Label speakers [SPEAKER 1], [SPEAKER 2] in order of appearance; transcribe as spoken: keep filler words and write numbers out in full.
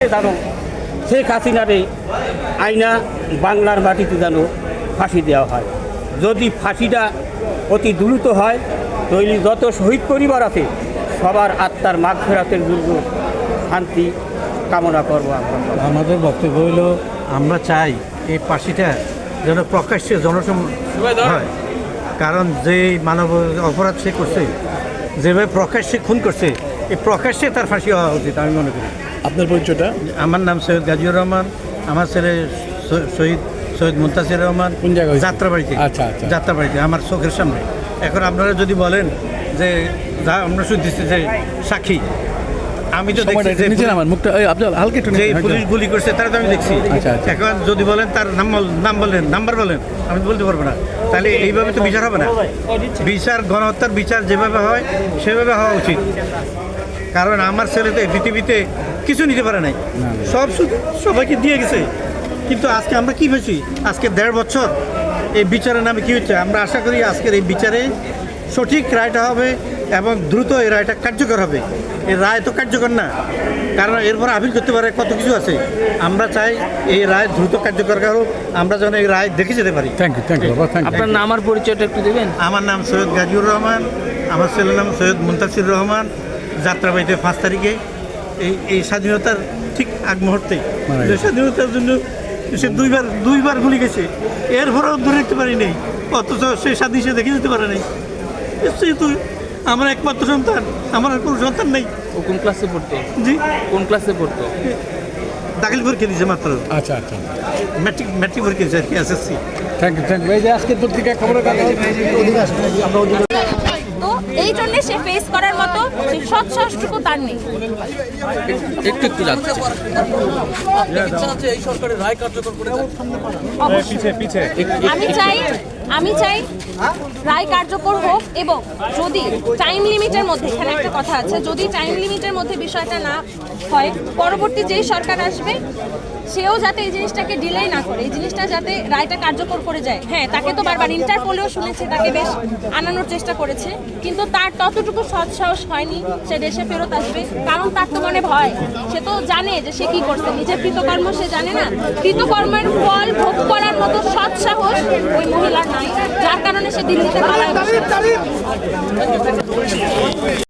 [SPEAKER 1] জানো শেখ হাসিনারে আইনা বাংলার মাটিতে যেন ফাঁসি দেওয়া হয়। যদি ফাঁসিটা অতি দ্রুত হয় তাহলে যত শহীদ পরিবার আছে সবার আত্মার মাগফিরাতের জন্য শান্তি কামনা করবো আমরা।
[SPEAKER 2] আমাদের বক্তব্য হইল আমরা চাই এই ফাঁসিটা যেন প্রকাশ্যে জনসম হয়, কারণ যে মানব অপরাধ সে করছে, যেভাবে প্রকাশ্যে খুন করছে, এই প্রকাশ্যে তার ফাঁসি হওয়া উচিত আমি মনে করি।
[SPEAKER 3] আপনার পরিচয়টা?
[SPEAKER 2] আমার নাম সৈয়দ গাজীউর রহমান, আমার ছেলে শহীদ সৈয়দ মুনতাসির রহমান।
[SPEAKER 3] কোন জায়গায়?
[SPEAKER 2] যাত্রাবাড়িতে।
[SPEAKER 3] আচ্ছা আচ্ছা
[SPEAKER 2] যাত্রাবাড়িতে আমার চোখের সামনে। এখন আপনারা যদি বলেন যে যা আমরা শুনতেছি যে সাক্ষী, আমি তো দেখছি যে
[SPEAKER 3] আমার মুখটা আপনার হালকা একটু
[SPEAKER 2] যে পুলিশ গুলি করছে তারা তো আমি দেখছি।
[SPEAKER 3] আচ্ছা, আচ্ছা।
[SPEAKER 2] এখন যদি বলেন তার নাম বল- নাম বলেন, নাম্বার বলেন, আমি তো বলতে পারবো না। তাহলে এইভাবে তো বিচার হবে না। বিচার, গণহত্যার বিচার যেভাবে হয় সেভাবে হওয়া উচিত। কারণ আমার ছেলে তো এই পৃথিবীতে কিছু নিতে পারে নাই, সব শুধু সবাইকে দিয়ে গেছে। কিন্তু আজকে আমরা কি হয়েছি, আজকে দেড় বছর এই বিচারের নামে কি হচ্ছে, আমরা আশা করি আজকের এই বিচারে সঠিক রায়টা হবে এবং দ্রুত এই রায়টা কার্যকর হবে। এই রায় তো কার্যকর না, কারণ এরপর আপিল করতে পারে, কত কিছু আছে। আমরা চাই এই রায় দ্রুত কার্যকর হোক, আমরা যেন এই রায় দেখে যেতে পারি।
[SPEAKER 3] থ্যাংক ইউ থ্যাংক ইউ বাবা থ্যাংক ইউ।
[SPEAKER 4] আপনার নাম আর পরিচয়টা একটু দেবেন?
[SPEAKER 2] আমার নাম সৈয়দ গাজীউর রহমান, আমার ছেলের নাম সৈয়দ মুনতাসির রহমান। যাত্রাবাড়িতে পাঁচ তারিখে এই এই স্বাধীনতার ঠিক আগ মুহূর্তে যে স্বাধীনতার জন্য সে দুইবার দুইবার গুলি গেছে, এরপরেও ধরে রাখতে পারি নেই, অথচ সে স্বাধীন সে দেখে যেতে পারে নাই। সেহেতু আমার একমাত্র সন্তান, আমার আর কোনো সন্তান নেই।
[SPEAKER 4] ও কোন ক্লাসে পড়তো?
[SPEAKER 2] জি,
[SPEAKER 4] কোন ক্লাসে পড়তো?
[SPEAKER 2] দাখিল পরীক্ষা দিয়েছে মাত্র,
[SPEAKER 3] আচ্ছা আচ্ছা
[SPEAKER 2] ম্যাট্রিক ম্যাট্রিক পরীক্ষা দিয়েছে আর কি, SSC.
[SPEAKER 3] Thank you thank you. এই যে আজকের পত্রিকা খবরের কাগজ
[SPEAKER 5] তো এই জন্য সে ফেস করার মতো সেই সৎ সাহসটুকু তার নেই।
[SPEAKER 4] একটু একটু যাচ্ছে।
[SPEAKER 5] আমি চাই আমি চাই রায় কার্যকর হোক, এবং যদি টাইম লিমিটের মধ্যে, এখানে একটা কথা আছে, যদি টাইম লিমিটের মধ্যে বিষয়টা না হয়, পরবর্তী যেই সরকার আসবে সেও যাতে এই জিনিসটাকে ডিলে না করে, এই জিনিসটা যাতে রায়টা কার্যকর করে যায়। হ্যাঁ, তাকে তো বারবার ইন্টারপোলেও শুনেছে, তাকে বেশ আনানোর চেষ্টা করেছে, কিন্তু তার ততটুকু সৎ সাহস হয়নি সে দেশে ফেরত আসবে। কারণ তার তো মনে ভয়, সে তো জানে যে সে কি করছে, নিজের কৃতকর্ম সে জানে না, কৃতকর্মের ফল ভোগ করার মতো সৎ সাহস ওই মহিলার নাই, যার কারণে সে দিল্লিতে পালায় বসে আছে।